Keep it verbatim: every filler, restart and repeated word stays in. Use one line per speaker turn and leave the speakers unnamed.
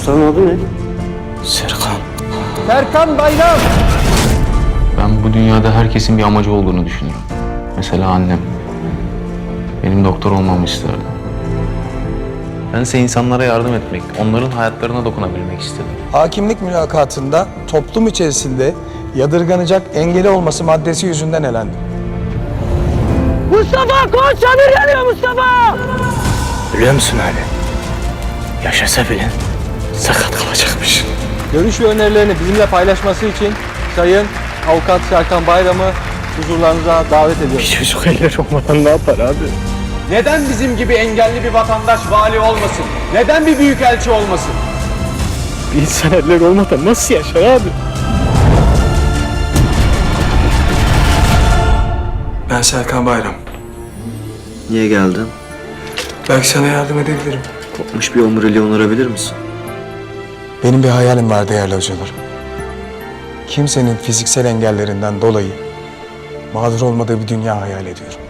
Ustanın adı ne? Serkan.
Serkan Bayram.
Ben bu dünyada herkesin bir amacı olduğunu düşünüyorum. Mesela annem. Benim doktor olmamı isterdi. Bense insanlara yardım etmek, onların hayatlarına dokunabilmek istedim.
Hakimlik mülakatında toplum içerisinde yadırganacak engeli olması maddesi yüzünden elendi.
Mustafa koş, çadır yanıyor Mustafa!
Biliyor musun Ali? Yaşasa bile sakat kalacakmış.
Görüş ve önerilerini bizimle paylaşması için Sayın Avukat Serkan Bayram'ı huzurlarınıza davet ediyoruz.
Bir çocuk elleri olmadan ne yapar abi?
Neden bizim gibi engelli bir vatandaş vali olmasın? Neden bir büyükelçi olmasın?
Bir insan elleri olmadan nasıl yaşar abi?
Ben Serkan Bayram.
Niye geldin?
Belki sana yardım edebilirim.
Kopmuş bir omuriliği onarabilir misin?
Benim bir hayalim var değerli hocalarım. Kimsenin fiziksel engellerinden dolayı mağdur olmadığı bir dünya hayal ediyorum.